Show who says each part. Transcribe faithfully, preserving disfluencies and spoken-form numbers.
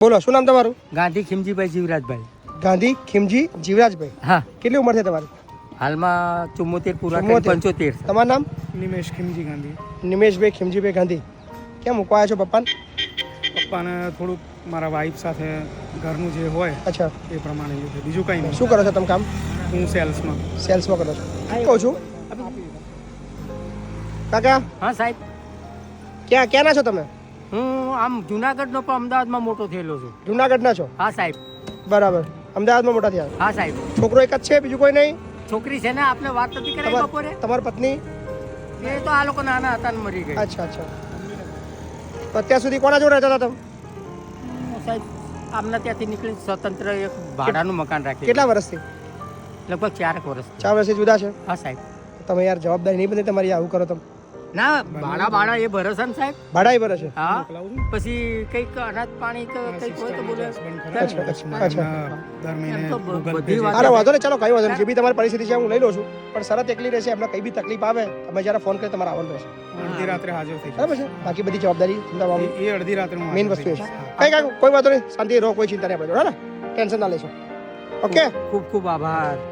Speaker 1: બોલો શું નામ તમારું?
Speaker 2: ગાંધી ખીમજીભાઈ જીવરાજભાઈ.
Speaker 1: ગાંધી ખીમજી જીવરાજભાઈ.
Speaker 2: હા,
Speaker 1: કેટલી ઉંમર છે તમારી?
Speaker 2: હાલમાં ચુમ્મોતેર પૂરા કરી
Speaker 1: ચુમ્મોતેર.
Speaker 2: પંચોતેર.
Speaker 1: તમારું નામ?
Speaker 3: નિમેશ ખીમજી ગાંધી.
Speaker 1: નિમેશભાઈ ખીમજીભાઈ ગાંધી. કેમ મૂકવા આવ્યા છો પપ્પાને?
Speaker 3: પપ્પાને થોડુંક મારા વાઈફ સાથે ઘરનું જે હોય
Speaker 1: અચ્છા,
Speaker 3: એ પ્રમાણે છે, બીજું કંઈ નહીં.
Speaker 1: શું કરો છો તમે કામ?
Speaker 3: હું સેલ્સમાં.
Speaker 1: સેલ્સમાં કરો છો. કહું છું કાકા,
Speaker 2: હા સાહેબ,
Speaker 1: ક્યાં ક્યાંના છો તમે?
Speaker 2: હું આમ જુનાગઢનો પણ અમદાવાદમાં મોટો થયેલો છું.
Speaker 1: જુનાગઢના છો?
Speaker 2: હા સાહેબ.
Speaker 1: બરાબર. અમદાવાદમાં મોટા થયા.
Speaker 2: હા સાહેબ.
Speaker 1: છોકરો એક જ છે, બીજું કોઈ નહીં?
Speaker 2: છોકરી છે ને, આપને વાત નથી કરાવી
Speaker 1: તમાર-
Speaker 2: બપોરે?
Speaker 1: તમારી પત્ની?
Speaker 2: એ તો આ લોકો નાના હતા ને મરી ગઈ.
Speaker 1: અચ્છા અચ્છા. તો અત્યાર સુધી કોના જોડે રહેતા હતા તમે?
Speaker 2: સાહેબ, આમના ત્યાંથી નીકળી સ્વતંત્ર એક ભાડાનું મકાન રાખી.
Speaker 1: કેટલા વર્ષથી?
Speaker 2: લગભગ ચારક વર્ષ.
Speaker 1: ચાર વર્ષથી જુદા છે.
Speaker 2: હા સાહેબ.
Speaker 1: તમે યાર જવાબદારી નહીં બની તમારી, આવું કરો તમે.
Speaker 2: ના, ભાડા ભાડા એ ભરોસા ને સાહેબ.
Speaker 1: ભાડા ભરે છે?
Speaker 2: હા,
Speaker 3: મોકલાવું
Speaker 2: પછી કંઈક અનાજ પાણી કે કંઈક હોય તો બોલે.
Speaker 1: અચ્છા અચ્છા અચ્છા.
Speaker 3: દર મહિને
Speaker 2: એમ તો
Speaker 3: Google Pay
Speaker 2: બધી
Speaker 3: છે.
Speaker 2: વાત-
Speaker 1: અરે વાંધો નહીં, ચાલો કઈ વાંધો નહીં. જે બી તમારી પરિસ્થિતિ છે હું લઈ લઉં છું, પણ શરત એકલી રહેશે. એમને કઈ બી તકલીફ આવે તમે જ્યારે ફોન કરી તમારે આવવાનું રહેશે,
Speaker 3: અડધી રાત્રે હાજર થઈ
Speaker 1: બરાબર છે? બાકી બધી જવાબદારી તમામ
Speaker 3: જાય. એ અડધી રાત્રે હું
Speaker 1: મેઇન
Speaker 3: હાજર
Speaker 1: વસ્તુ એ
Speaker 3: થઈ
Speaker 1: છે.
Speaker 3: જઈશ.
Speaker 1: કઈ કાંઈ કોઈ વાંધો નહીં, શાંતિ રહો, કોઈ ચિંતા નહીં આપણે જોડે, ને ટેન્શન ના લેશો. ઓકે,
Speaker 2: ખૂબ ખૂબ આભાર.